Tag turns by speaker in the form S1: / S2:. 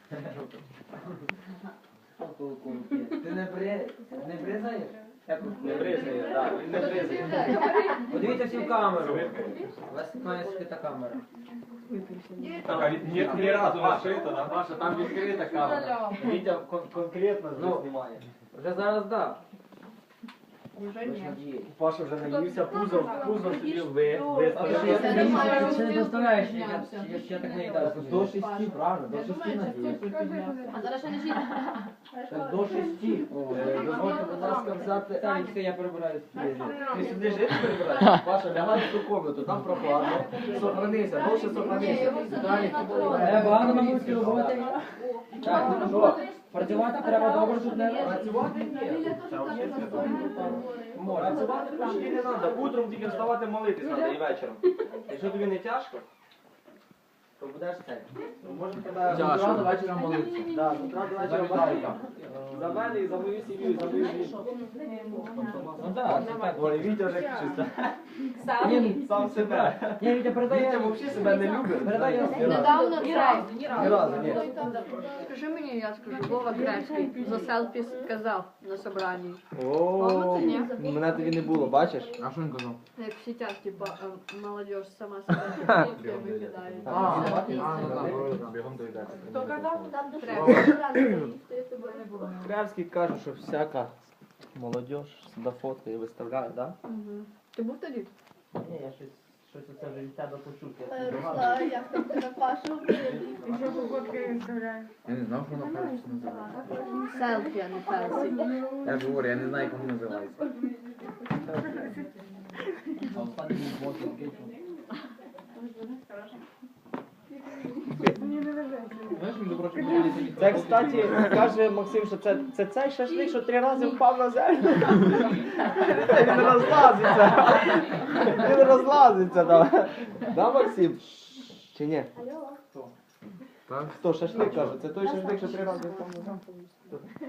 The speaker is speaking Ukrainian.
S1: Ти не бризаєш?
S2: Не бризає, так, він не бризає.
S1: Подивіться всі в камеру. У вас має скрита камера.
S2: Так, а ні разу не шито, да? Маша, там відкрита камера. Вітя конкретно знімає.
S1: Вже зараз дав.
S3: Уже ні.
S2: Паша вже наївся, пузо собі
S1: Я
S2: виставив.
S1: ти не доставляєш, я так не їдав.
S4: До 6, правильно, до 6 надіюсь.
S3: А зараз ще не жити.
S4: До 6.
S1: Дозвольте, будь ласка, взяти. Так, все, я прибираю.
S2: Ти сюди жити прибираєш? Паша, лягай в ту комнату, там прохладно. Сохранися, довше сохранися.
S1: Багато мамульської роботи. Так, ну що, працювати треба добре, щоб не...
S2: Працювати ні. Працювати почти не треба. Утром тільки вставати молитись треба і вечором. Якщо тобі не тяжко, то будеш це. Може тебе...
S4: З утра до вечора молитися.
S2: Так, з утра до вечора молитися. За мене і за мою сім'ю, і за мою жінку.
S1: Ну так, так.
S2: Ой, Вітя вже чисто.
S1: Ні,
S2: Сам себе.
S1: ні, Вітя,
S2: Вітя
S1: передає.
S2: взагалі себе не любить.
S1: Передай
S3: Недавно цей.
S2: Ні разу, ні.
S3: Скажи мені, я скажу, Вова Кревський за селфі сказав на собранні.
S2: О, мене тоді не було, бачиш?
S4: А що він казав?
S3: Як в сітях, типа, молодь сама себе викидає.
S4: Бігом доїдати.
S5: Хто казав?
S2: Кревський каже, що всяка молодь себе фоткає і виставляє, так?
S3: Мгм. Ти був тоді?
S2: Ні, я щось оце вже від тебе почув.
S5: Руслан, як там тебе Пашу?
S6: І що походки він вставляє?
S4: Я не знав, що воно перше називається.
S3: Селфі, а не фелсі.
S4: Я ж говорю, я не знаю, як воно називається. А останній блок
S2: Це, кстати, каже Максим, що це цей шашлик, що 3 рази впав на землю. Він розлазиться. Він розлазиться, да. Да, Максим? Чи ні?
S4: Так?
S2: Хто шашлик каже? Це той шашлик, що 3 рази впав на землю.